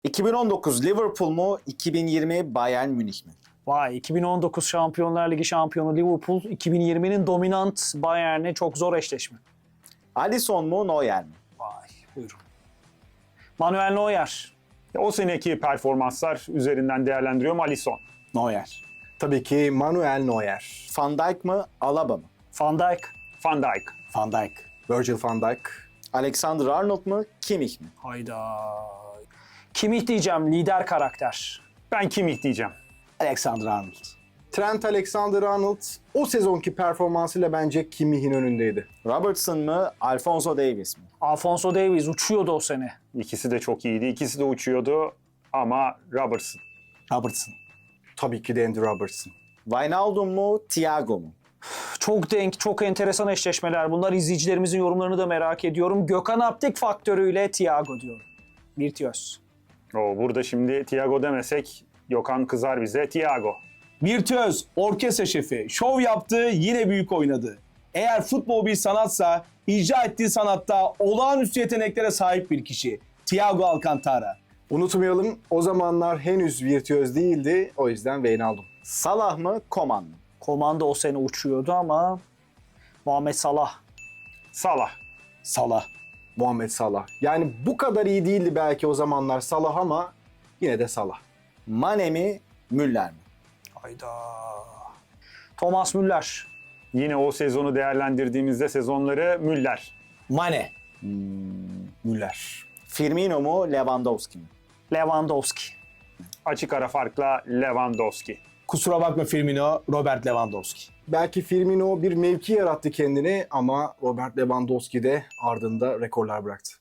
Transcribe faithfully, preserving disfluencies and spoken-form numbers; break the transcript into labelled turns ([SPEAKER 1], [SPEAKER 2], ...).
[SPEAKER 1] iki bin on dokuz Liverpool mu, iki bin yirmi Bayern Münih mi?
[SPEAKER 2] Vay, iki bin on dokuz Şampiyonlar Ligi şampiyonu Liverpool, iki bin yirminin dominant Bayern'e çok zor eşleşme.
[SPEAKER 1] Alisson mu, Neuer mi?
[SPEAKER 2] Vay, buyurun. Manuel Neuer.
[SPEAKER 3] O seneki performanslar üzerinden değerlendiriyorum Alisson.
[SPEAKER 4] Neuer. Tabii ki Manuel Neuer.
[SPEAKER 1] Van Dijk mı, Alaba mı?
[SPEAKER 2] Van Dijk.
[SPEAKER 3] Van Dijk.
[SPEAKER 4] Van Dijk. Virgil van Dijk.
[SPEAKER 1] Alexander-Arnold mu, Kimmich mi?
[SPEAKER 2] Hayda. Kimmich diyeceğim, lider karakter.
[SPEAKER 3] Ben Kimmich diyeceğim.
[SPEAKER 4] Alexander-Arnold. Trent Alexander-Arnold o sezonki performansıyla bence Kimmich'in önündeydi.
[SPEAKER 1] Robertson mı, Alphonso Davies mi?
[SPEAKER 2] Alphonso Davies uçuyordu o sene.
[SPEAKER 3] İkisi de çok iyiydi. İkisi de uçuyordu ama Robertson.
[SPEAKER 4] Robertson. Tabii ki de Andy Robertson.
[SPEAKER 1] Wijnaldum mu, Thiago mu?
[SPEAKER 2] Çok denk, çok enteresan eşleşmeler. Bunlar izleyicilerimizin yorumlarını da merak ediyorum. Gökhan Aptik faktörüyle Thiago diyorum. Virtüöz.
[SPEAKER 3] O burada şimdi Thiago demesek Gökhan kızar bize. Thiago.
[SPEAKER 5] Virtüöz, orkestra şefi, şov yaptı, yine büyük oynadı. Eğer futbol bir sanatsa, icra ettiği sanatta olağanüstü yeteneklere sahip bir kişi. Thiago Alcantara.
[SPEAKER 4] Unutmayalım, o zamanlar henüz virtüöz değildi. O yüzden Wijnaldum.
[SPEAKER 1] Salah mı, Koman mı?
[SPEAKER 2] Komanda o sene uçuyordu ama Muhammed Salah.
[SPEAKER 3] Salah.
[SPEAKER 4] Salah. Muhammed Salah. Yani bu kadar iyi değildi belki o zamanlar Salah ama yine de Salah.
[SPEAKER 1] Mane mi, Müller mi?
[SPEAKER 2] Hayda. Thomas Müller.
[SPEAKER 3] Yine o sezonu değerlendirdiğimizde sezonları Müller.
[SPEAKER 5] Mane. Müller.
[SPEAKER 1] Firmino mu, Lewandowski mi?
[SPEAKER 2] Lewandowski.
[SPEAKER 3] Açık ara farkla Lewandowski.
[SPEAKER 5] Kusura bakma Firmino, Robert Lewandowski.
[SPEAKER 4] Belki Firmino bir mevki yarattı kendini ama Robert Lewandowski de ardında rekorlar bıraktı.